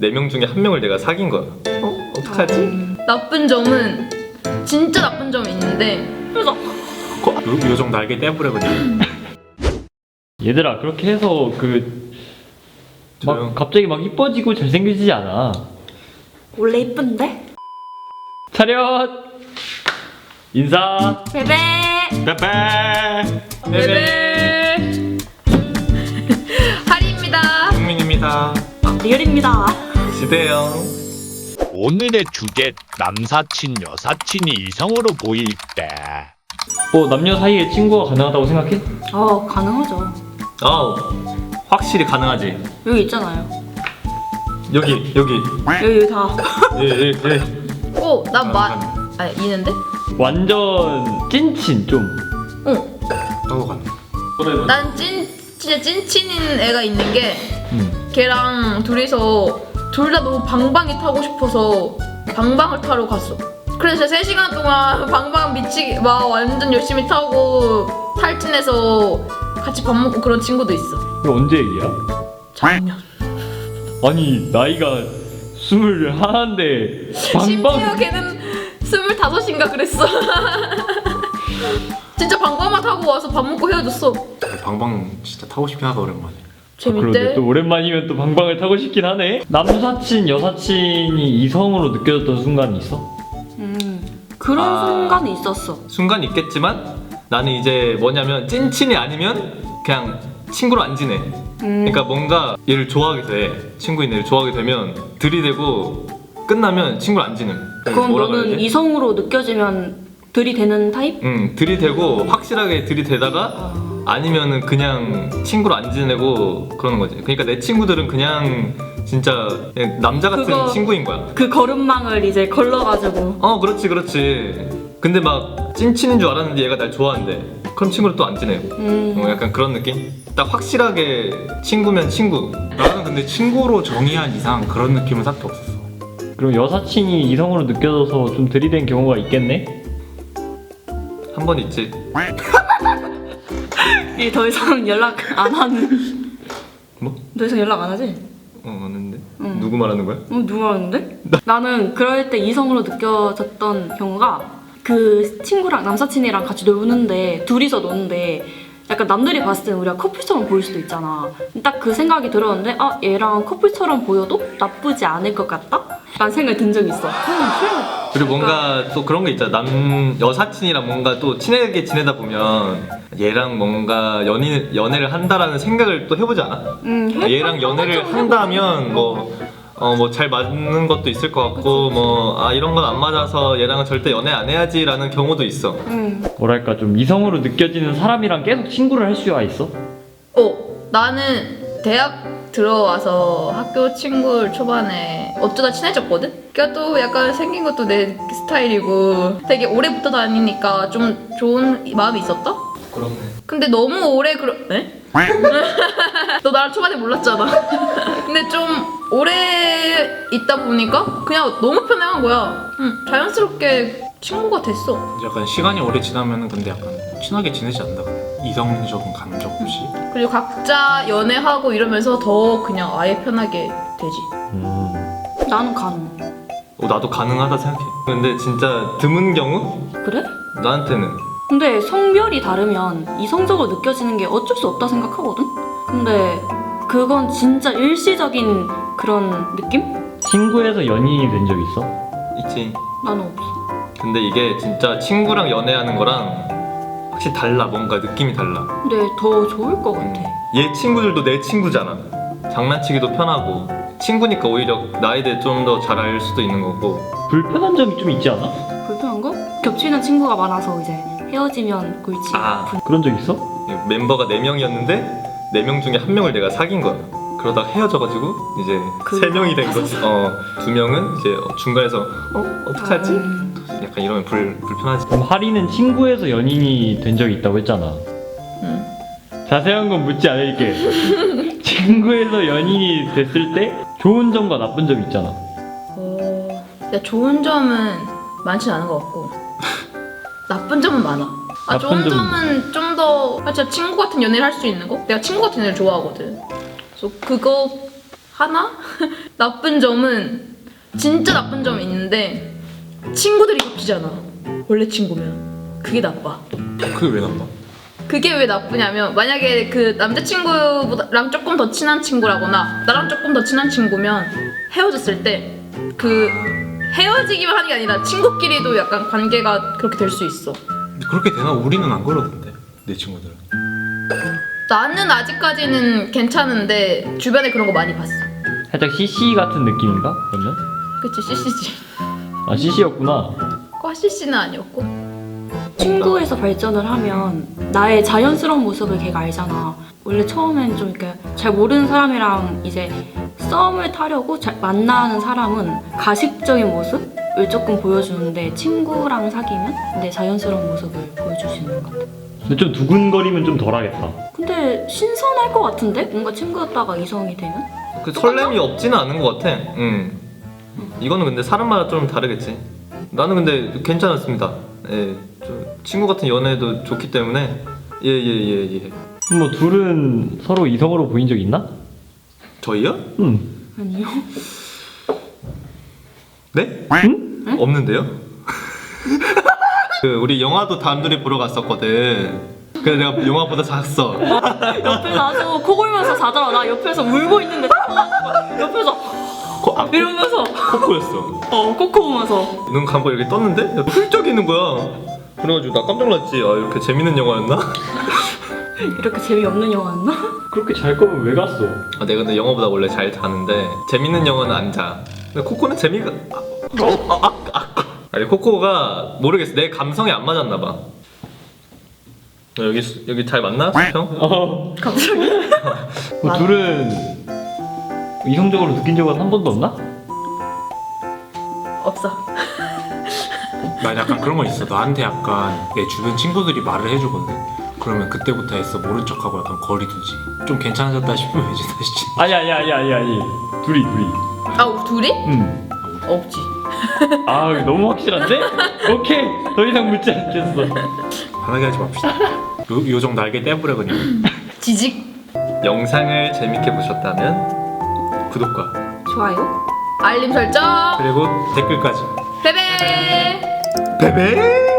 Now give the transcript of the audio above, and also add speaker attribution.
Speaker 1: 4명 중에 1명을 내가 사귄 거야. 어떡하지?
Speaker 2: 나쁜 점은 진짜 나쁜 점이 있는데 그래서
Speaker 3: 요정 날개 떼버려 그냥.
Speaker 4: 얘들아 그렇게 해서
Speaker 1: 조용.
Speaker 4: 갑자기 막 이뻐지고 잘생겨지지 않아.
Speaker 5: 원래 이쁜데?
Speaker 4: 차렷! 인사!
Speaker 5: 베베.
Speaker 3: 빼빼.
Speaker 2: 베베 하리입니다.
Speaker 3: 국민입니다.
Speaker 5: 리얼입니다.
Speaker 1: 지대요.
Speaker 6: 오늘의 주제 남사친 여사친이 이성으로 보일 때
Speaker 4: 남녀 사이에 친구가 가능하다고 생각해?
Speaker 5: 가능하죠.
Speaker 1: 확실히 가능하지.
Speaker 5: 여기 있잖아요.
Speaker 1: 여기
Speaker 5: 여기 다.
Speaker 1: 예.
Speaker 2: 아니 있는데?
Speaker 4: 완전 찐친 좀.
Speaker 3: 하고 가는.
Speaker 2: 난 진짜 찐친인 애가 있는 게 걔랑 둘이서 둘 다 너무 방방이 타고 싶어서 방방을 타러 갔어. 그래서 3시간 동안 방방 미치게 막 완전 열심히 타고 탈진해서 같이 밥 먹고 그런 친구도 있어.
Speaker 4: 이거 언제 얘기야?
Speaker 2: 작년.
Speaker 4: 아니 나이가 21인데
Speaker 2: 심지어 걔는 25인가 그랬어. 진짜 방방만 타고 와서 밥 먹고 헤어졌어.
Speaker 3: 방방 진짜 타고 싶긴 하다 오랜만에.
Speaker 4: 그런데
Speaker 2: 재밌대.
Speaker 4: 또 오랜만이면 또 방방을 타고 싶긴 하네. 남사친 여사친이 이성으로 느껴졌던 순간이 있어?
Speaker 5: 그런 순간이 있었어.
Speaker 1: 순간 있겠지만 나는 이제 뭐냐면 찐친이 아니면 그냥 친구로 안 지내. 그러니까 뭔가 얘를 좋아하게 돼. 친구인 애를 좋아하게 되면 들이대고 끝나면 친구를 안 지내.
Speaker 5: 그럼
Speaker 1: 뭐라
Speaker 5: 너는
Speaker 1: 그래야지?
Speaker 5: 이성으로 느껴지면 들이대는 타입?
Speaker 1: 들이대고 확실하게 들이대다가 아니면은 그냥 친구로 안 지내고 그러는 거지. 그러니까 내 친구들은 그냥 진짜 그냥 남자 같은
Speaker 5: 그거-
Speaker 1: 친구인 거야.
Speaker 5: 그 걸음망을 이제 걸러가지고.
Speaker 1: 그렇지. 근데 막 찐친인 줄 알았는데 얘가 날 좋아한대. 그럼 친구를 또 안 지내고. 약간 그런 느낌? 딱 확실하게 친구면 친구.
Speaker 3: 나는 근데 친구로 정의한 이상 그런 느낌은 딱히 없었어.
Speaker 4: 그럼 여사친이 이성으로 느껴져서 좀 들이댄 경우가 있겠네?
Speaker 1: 한 번 있지.
Speaker 5: 이제 더 이상 연락 안 하는.
Speaker 1: 뭐?
Speaker 5: 더 이상 연락 안 하지?
Speaker 1: 맞는데? 누구 말하는 거야?
Speaker 5: 누가 하는데? 나는 그럴 때 이성으로 느껴졌던 경우가 그 친구랑 남사친이랑 같이 노는데 둘이서 노는데 약간 남들이 봤을 때는 우리가 커플처럼 보일 수도 있잖아. 딱 그 생각이 들었는데 얘랑 커플처럼 보여도 나쁘지 않을 것 같다? 라는 생각이 든 적이 있어.
Speaker 1: 그리고 뭔가 또 그런 게 있잖아. 여사친이랑 뭔가 또 친하게 지내다 보면 얘랑 뭔가 연애를 한다라는 생각을 또 해보지 않아? 얘랑 연애를 한다면 뭐 잘 맞는 것도 있을 것 같고 이런 건 안 맞아서 얘랑은 절대 연애 안 해야지라는 경우도 있어.
Speaker 4: 뭐랄까 좀 이성으로 느껴지는 사람이랑 계속 친구를 할 수가 있어?
Speaker 2: 나는 대학 들어와서 학교 친구를 초반에 어쩌다 친해졌거든? 걔가 또 약간 생긴 것도 내 스타일이고 되게 오래 붙어 다니니까 좀 좋은 마음이 있었다?
Speaker 1: 그렇네.
Speaker 2: 근데 너무 오래 네? 너 나를 초반에 몰랐잖아. 근데 좀 오래 있다 보니까 그냥 너무 편해한 거야. 자연스럽게 친구가 됐어.
Speaker 3: 약간 시간이 오래 지나면은 근데 약간 친하게 지내지 않나? 이성적인 감정 없이.
Speaker 2: 그리고 각자 연애하고 이러면서 더 그냥 아예 편하게 되지.
Speaker 5: 나는 가능.
Speaker 1: 나도 가능하다 생각해. 근데 진짜 드문 경우?
Speaker 5: 그래?
Speaker 1: 나한테는.
Speaker 5: 근데 성별이 다르면 이성적으로 느껴지는 게 어쩔 수 없다 생각하거든? 근데 그건 진짜 일시적인 그런 느낌?
Speaker 4: 친구에서 연인이 된 적 있어?
Speaker 1: 있지.
Speaker 5: 나는 없어.
Speaker 1: 근데 이게 진짜 친구랑 연애하는 거랑 확실히 달라. 뭔가 느낌이 달라.
Speaker 5: 근데 더 좋을 것 같아.
Speaker 1: 얘 친구들도 내 친구잖아. 장난치기도 편하고 친구니까 오히려 나에 대해 좀 더 잘 알 수도 있는 거고.
Speaker 4: 불편한 점이 좀 있지 않아?
Speaker 5: 불편한 거? 겹치는 친구가 많아서 이제 헤어지면 골치.
Speaker 4: 그런 적 있어?
Speaker 1: 멤버가 4명이었는데 4명 중에 1명을 내가 사귄 거야. 그러다가 헤어져가지고 이제 3명이 된 거지. 2명은 이제 중간에서 어떡하지? 약간 이러면 불편하지.
Speaker 4: 그럼 하리는 친구에서 연인이 된 적이 있다고 했잖아. 자세한 건 묻지 않을게. 친구에서 연인이 됐을 때 좋은 점과 나쁜 점이 있잖아.
Speaker 2: 좋은 점은 많진 않은 것 같고 나쁜 점은 많아. 좋은 점은 좀 더 진짜 친구 같은 연애를 할 수 있는 거? 내가 친구 같은 연애를 좋아하거든. 그래서 그거 하나? 나쁜 점은 진짜 나쁜 점이 있는데 친구들이 바뀌잖아. 원래 친구면 그게 나빠.
Speaker 3: 그게 왜 나빠?
Speaker 2: 그게 왜 나쁘냐면 만약에 그 남자친구랑 조금 더 친한 친구라거나 나랑 조금 더 친한 친구면 헤어졌을 때 그 헤어지기만 하는 게 아니라 친구끼리도 약간 관계가 그렇게 될 수 있어.
Speaker 3: 근데 그렇게 되나? 우리는 안 그러던데 내 친구들은.
Speaker 2: 나는 아직까지는 괜찮은데 주변에 그런 거 많이 봤어.
Speaker 4: 살짝 CC 같은 느낌인가? 그러면?
Speaker 2: 그치 CC지.
Speaker 4: 아 CC였구나.
Speaker 2: 과 CC는 아니었고.
Speaker 5: 친구에서 발전을 하면 나의 자연스러운 모습을 걔가 알잖아. 원래 처음엔 좀 이렇게 잘 모르는 사람이랑 이제 썸을 타려고 만나는 사람은 가식적인 모습을 조금 보여주는데 친구랑 사귀면 내 자연스러운 모습을 보여줄 수 있는 것 같아.
Speaker 4: 근데 좀 두근거리면 좀 덜하겠다.
Speaker 5: 근데 신선할 것 같은데? 뭔가 친구였다가 이성이 되면?
Speaker 1: 그 설렘이 없지는 않은 것 같아. 이거는 근데 사람마다 좀 다르겠지. 나는 근데 괜찮았습니다. 예, 좀 친구 같은 연애도 좋기 때문에 예.
Speaker 4: 뭐 둘은 서로 이성으로 보인 적 있나?
Speaker 1: 저희요?
Speaker 5: 아니요.
Speaker 1: 네?
Speaker 4: 응?
Speaker 1: 없는데요? 그 우리 영화도 단둘이 보러 갔었거든. 그래서 내가 영화보다 잤어.
Speaker 5: 옆에 가서 코 골면서 자더라. 나 옆에서 울고 있는데 옆에서 이러면서
Speaker 1: 코코였어.
Speaker 5: 코코 보면서
Speaker 1: 눈 감고 이렇게 떴는데 훌쩍 있는 거야. 그래가지고 나 깜짝 놀랐지. 아 이렇게 재밌는 영화였나?
Speaker 5: 이렇게 재미없는 영화였나?
Speaker 4: 그렇게 잘 거면 왜 갔어?
Speaker 1: 아, 내가 근데 영화보다 원래 잘 자는데 재밌는 영화는 안 자. 근데 코코는 재미가 아니 코코가 모르겠어. 내 감성에 안 맞았나 봐. 여기 잘 맞나? 형?
Speaker 5: 갑자기?
Speaker 4: 뭐 둘은 이성적으로 느낀 적은 한 번도 없나?
Speaker 2: 없어.
Speaker 3: 난 약간 그런 거 있어. 나한테 약간 내 주변 친구들이 말을 해주거든. 그러면 그때부터 했어. 모른 척하고 약간 거리 두지. 좀 괜찮아졌다 싶으면 이제 다시.
Speaker 4: 아니. 둘이.
Speaker 2: 아 둘이?
Speaker 4: 응.
Speaker 2: 없지.
Speaker 4: 아 너무 확실한데? 오케이 더 이상 묻지 않겠어.
Speaker 3: 화나게 하지 맙시다. 요정 날개 떼버려 그냥.
Speaker 2: 지직.
Speaker 1: 영상을 재밌게 보셨다면 구독과
Speaker 5: 좋아요.
Speaker 2: 알림 설정.
Speaker 3: 그리고 댓글까지.
Speaker 2: 베베.
Speaker 1: 베베